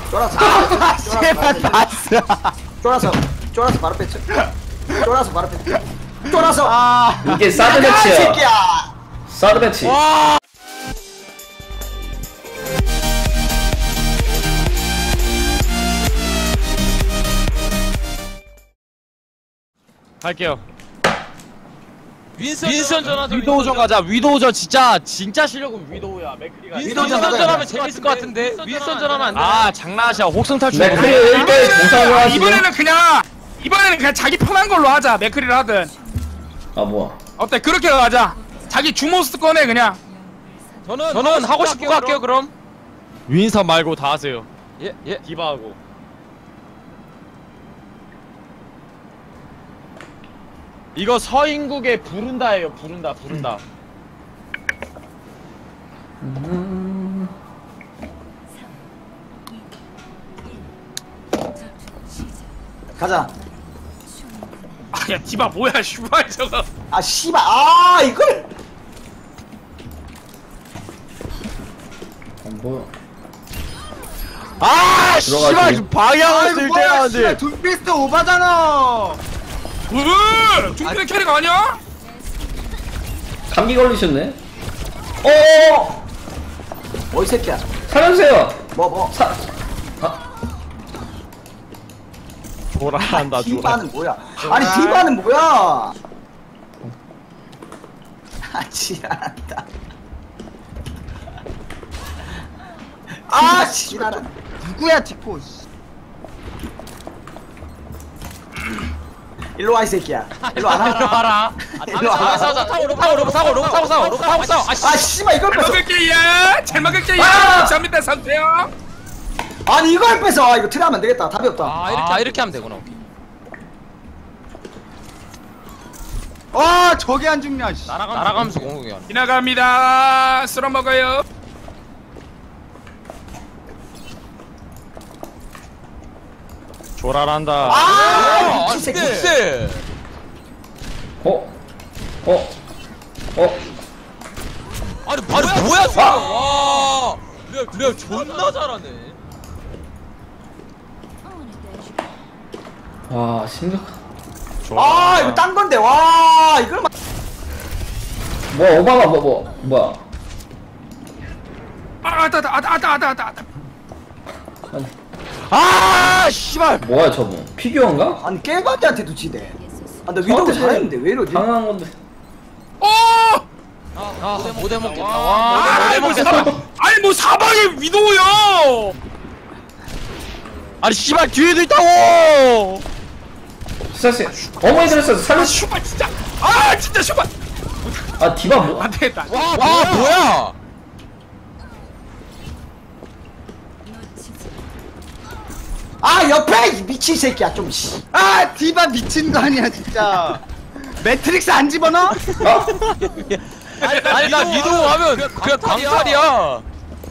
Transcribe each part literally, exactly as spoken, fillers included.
쫄아서 아 제발 봤어. 쫄아서 쫄아서 바로 뺐죠. 쫄아서 바로 뺐죠. 쫄아서 아 이게 사드 나가, 이 배치야. 새끼야. 사드 배치. 와. 갈게요. 윈선, 윈선 전하자. 위도우전 가자. 위도우전 진짜 진짜 실력은 위도우야. 맥크리가. 윈선 윈선 전하면 전하자. 재밌을 것 같은데. 윈선 전하면 안 돼. 아 장난하시야. 혹성 탈출. 맥크리 일 대 공상을 하시고. 이번에는 그냥 이번에는 그냥 자기 편한 걸로 하자. 맥크리를 하든 아 뭐야? 어때? 그렇게 가자. 자기 주모스 꺼내 그냥. 저는 저는 하고 싶은 거 할게요. 그럼. 윈선 말고 다 하세요. 예, 예. 디바하고. 이거 서인국의 부른다예요. 부른다. 부른다. 가자. 아야 디바 뭐야 슈발 저거. 아 씨발 아 이걸 안 보여. 아 들어가지. 씨발 지금 방향을 쓸 때가 안돼. 둠피스트 오바잖아. 왜? 중국의 캐릭 아니야? 감기 걸리셨네. 어 어이 새끼야. 살려주세요. 뭐 뭐. 사. 아 조라한다. 조라. 디바는 뭐야? 아니 디바는 뭐야? 아 지랄한다. 아 지랄한. 누구야 디코? 일로 와 이 새끼야. 일로 안 일로 와. 와라. 일로 아, 와. 싸우자. 타고 타고 로브 타고 로브 타고 싸워. 로브 타고 싸워. 아 씨. 아 씨발 이걸 잘 뺏어. 먹을게요. 잘 먹을게요. 아! 감사합니다 상태요. 아니 이걸 뺏어. 아, 이거 트라면 안 되겠다. 답이 없다. 아, 이렇게 아, 이렇게 하면 되구나. 아 저게 안 죽냐? 씨. 날아가면서, 날아가면서 공격이 하네. 지나갑니다. 쓸어 먹어요. 조라란다. 아 아, 미친 새끼. 쎄. 어. 어. 어. 아니 뭐야 뭐야 지금. 와. 그래 그래 존나 잘하네. 와 심각한. 아 이거 딴 건데 와 이걸 막. 뭐 오바마 뭐 뭐 뭐야? 아 아따 아따 아따 아따 아따 아따. 아니 아 씨발. 뭐야 저분? 피규어인가? 아니 깨바지한테도 지대. 아나 위도우 저한테 잘했는데 왜 이러지? 당황한 건데. 어! 아 못해 먹겠다. 와. 와. 아니 뭐 사방 아니 뭐 사방에 위도우요. 아니 씨발 뒤에도 있다고. 스타스 어머니 들었어 아 살려. 슈발 진짜. 아 진짜 슈발. 아 디바 뭐? 안 되겠다. 와, 와 뭐야? 아 옆에 이 미친 새끼야 좀 씨. 아 디바 미친 거 아니야 진짜. 매트릭스 안 집어넣어? 아 아니, 아니 나 위도우 하면 그냥 그냥 광탈이야. 광탈이야.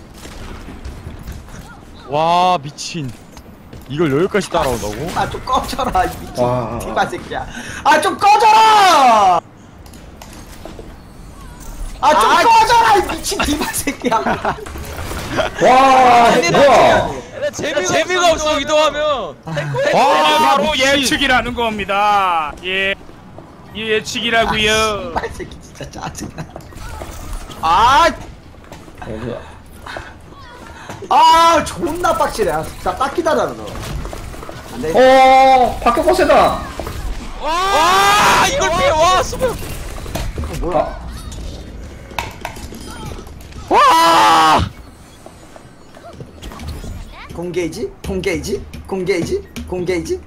와 미친. 이걸 여기까지 따라온다고? 아 좀 꺼져라 이 미친 와. 디바 새끼야. 아 좀 꺼져라. 아 좀 아, 꺼져라 이 미친 디바 새끼야. 와 뭐야? 재미가, 재미가 없어 위도하면. 아, 바로 미친. 예측이라는 겁니다. 예, 예측이라고요. 아 새끼 진짜 짜증나. 아 어디야? 아 존나 빡치네. 아, 나 딱 기다려 너. 안돼. 어 박격 거세다. 와 이걸 피해. 와 수비. 뭐야? 와. 공게이지? 공게이지? 공게이지? 공게이지?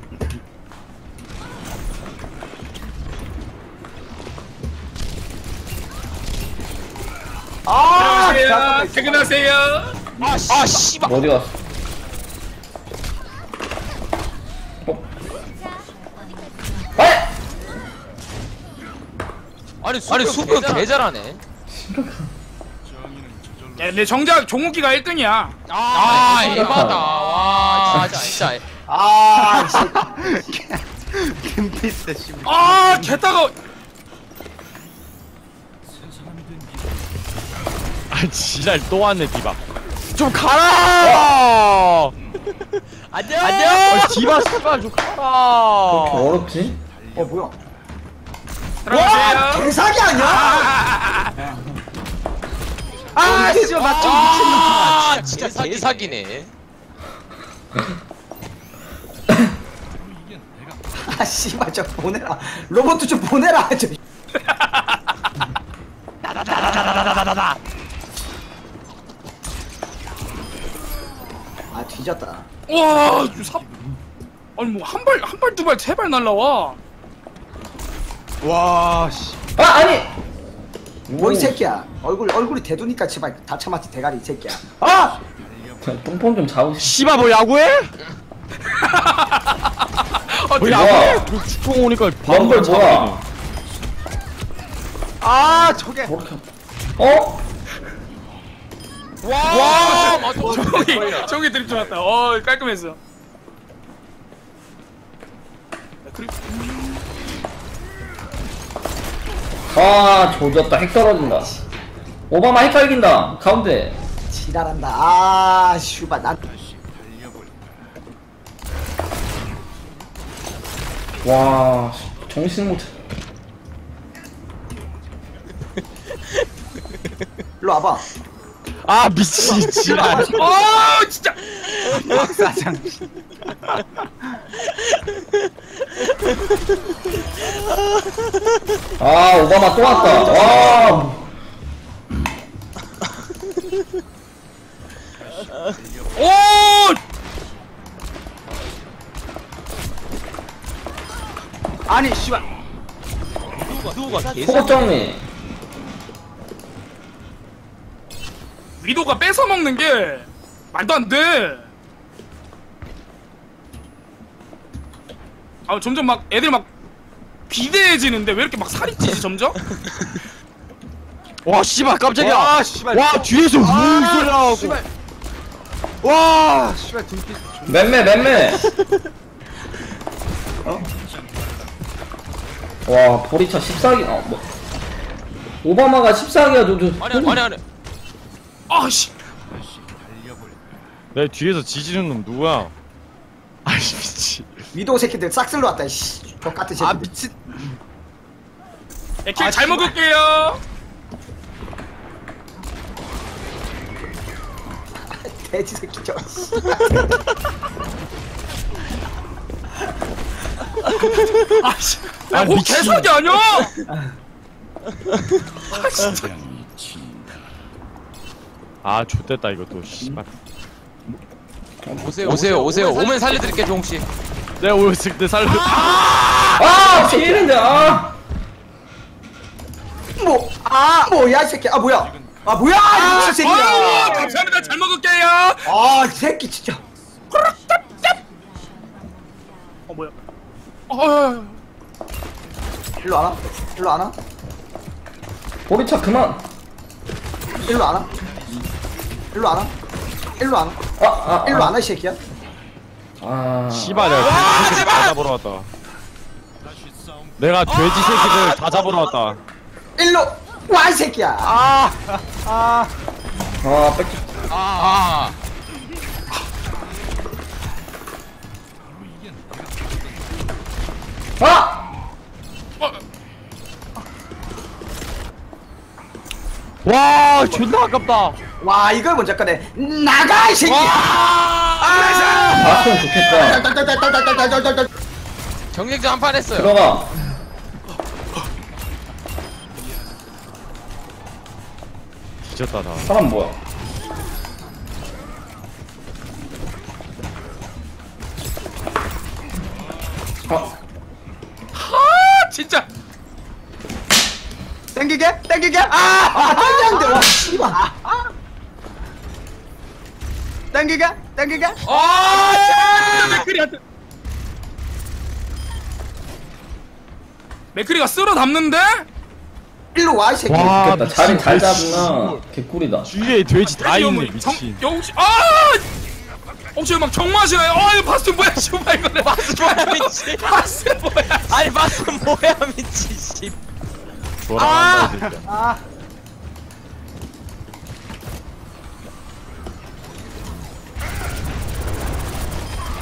아, 안녕하세요. 잠깐만. 퇴근하세요. 아 씨. 아 씨발. 어디 갔어? 어? 에? 아니 아니 수비 개 잘하네. 야, 근데 정작 종욱이가 일 등이야. 아 에바다. 와 진짜 진짜. 아, 이 새끼. 둠피스트 씨. 아, 개따가. 아 지랄 또 왔네 디바. 좀 가라. 안녕. 안녕. 아, 디바 씨발 좀 그렇게 가라. 어렵지? 어 뭐야? 와 들어가세요. 개사기 아니야? 아 씨발 맞죠 아, 미친놈. 진짜 개사기네. 아 씨발 저 보내라. 로봇 좀 보내라. 저. 나나나나나나나나. 아 뒤졌다. 와, 이거 삽. 아니 뭐 한 발, 한 발, 두 발, 세 발 날라와. 와 씨. 아 아니. 뭐 이 새끼야. 얼굴 얼굴이 대두니까 제발 다 참았지 대가리 이 새끼야. 아! 똥폼 좀 잡으시. 씨발 뭐 야구해? 어, 뭐 야, 야구해? 그 축구 오니까 럼블 뭐야? 아 저게. 저렇게. 어? 와, 맞아. 저기, 저기 드립 좋았다. 어, 깔끔했어. 그리고 아 조졌다. 핵 떨어진다. 오바마 핵 갈긴다. 가운데. 지랄한다. 아 슈발 난. 와 정신 못. 일로 와봐. 아 미친 지랄. 어, 진짜. 박사장. 아 오바마 또 왔다. 와. 오! 아니 씨발. 누가 속옷 정리. 위도가 뺏어 먹는 게 말도 안 돼. 아, 점점 막 애들 막 비대해지는데 왜 이렇게 막 살이 찌지 점점? 와 씨발 깜짝이야. 와 씨발. 와 뒤에서 우 아, 소리 나고. 씨발. 와 씨발 등피. 맴매 맴매. 어? 와 보리차 십사 기. 어 뭐. 오바마가 십사 기야 저저. 아니 아니 아니. 아씨. 내 뒤에서 지지는 놈 누구야? 아이씨 미친. 위도우 새끼들 싹쓸로 왔다. 씨. 똑같은 새끼들. 아 미친. 에킬 아, 잘 씨발. 먹을게요. 돼지 새끼 저. 아씨. 아, 야, 뭐 미친. 개사기 아니야? 아 진짜. 아 좆됐다 이것도 씨발. 오세요 오세요 오세요. 오면 살려드릴게 종욱 씨. 내가 오였을 때 살려. 아 피해인데 아. 뭐? 아 뭐야 이 새끼. 아 뭐야? 아 뭐야 이 미친 아유, 새끼야. 감사합니다. 잘 먹을게요. 아, 이 새끼 진짜. 어 뭐야? 어, 일로 안 와? 일로 안 와? 보리차 그만. 일로 안 와? 일로 안 와? 일로 안 와? 아 아. 일로 안 와, 이 새끼야? 아. 씨발 내가 돼지 새끼들 다 잡으러 왔다. 내가 돼지 새끼들 다 잡으러 왔다. 일로 와, 이 새끼야. 아. 아. 아 뺏기. 아, 아. 아. 와 존나 아깝다. 와, 이걸 먼저 꺼내. 나가, 이 새끼야. 아 그럼 좋겠다. 딸딸딸딸딸딸딸딸딸. 경쟁전 한 판 했어요. 들어가. 뒤졌다 다. 사람 뭐야? 아. 아 진짜. 땡기게? 땡기게? 아. 아, 땡겼는데, 와, 씨발. 땡기게? 땡기게? 아, 진짜 맥크리한테. 맥크리가 쓸어 담는데? 일로 와, 이 새끼. 와 좋겠다. 자리 잘 돼지. 잡으나 개꿀이다. 주위에 돼지 다 아니, 있네 형, 정- 미친. 영씨, 아! 혹시 막 정마시나요? 아, 이거 바스 뭐야, 씨발 이거는. 바스 뭐야 미친. 바스 뭐야? 아니 바스 뭐야 미친 씨. 돌아간다 이 새끼야. 아.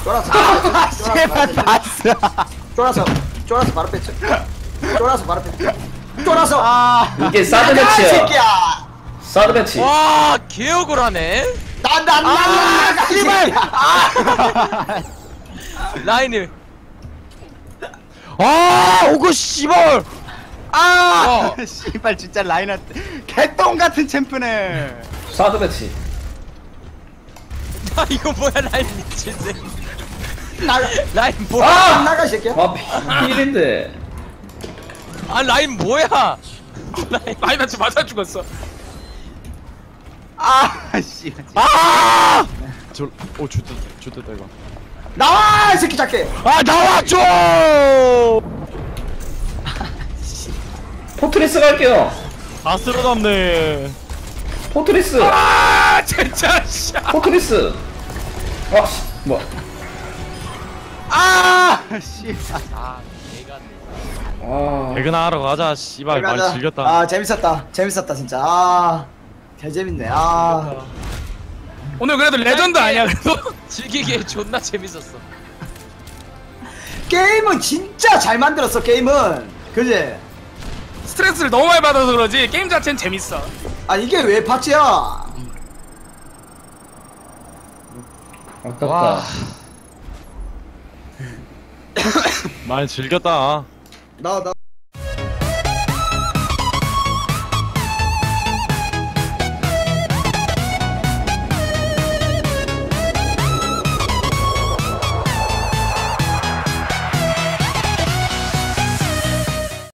쫄아서 아, 쫄아서 제발 봤어. 쫄아서 쫄아서 바로 뺐죠. 쫄아서 바로 뺐죠. 쫄아서 아, 이게 사드 나가, 이 배치야. 새끼야. 사드 배치. 와 개혁을 하네. 나나나나 씨발. 라인을. 아 오그 씨발. 아, 씨발 진짜 라인한 개똥 같은 챔프네. 사드 배치. 아 이거 뭐야 라인 미친데. 나가 라인 뭐야? 아! 나가 이 새끼야. 아, 필인데. 아 라인 뭐야? 라인. 라인한테 맞아 죽었어. 아, 씨. 아. 저오 좋다 좋다 이거. 나와 이 새끼 작게. 아 나와줘. 포트리스 갈게요. 다 쓸어담네. 포트리스. 아 진짜 씨. 포트리스. 아, 씨, 뭐. 아, 씨발. 아 개가. 아, 퇴근하러 가자 씨발 많이 가자. 즐겼다. 아 재밌었다. 재밌었다 진짜. 아, 개 재밌네. 아, 오늘 그래도 레전드 아니야 그래도? 즐기기에 존나 재밌었어. 게임은 진짜 잘 만들었어. 게임은, 그지? 스트레스를 너무 많이 받아서 그러지 게임 자체는 재밌어. 아 이게 왜 파츠야? 아깝다. 와. 많이 즐겼다. 나 나.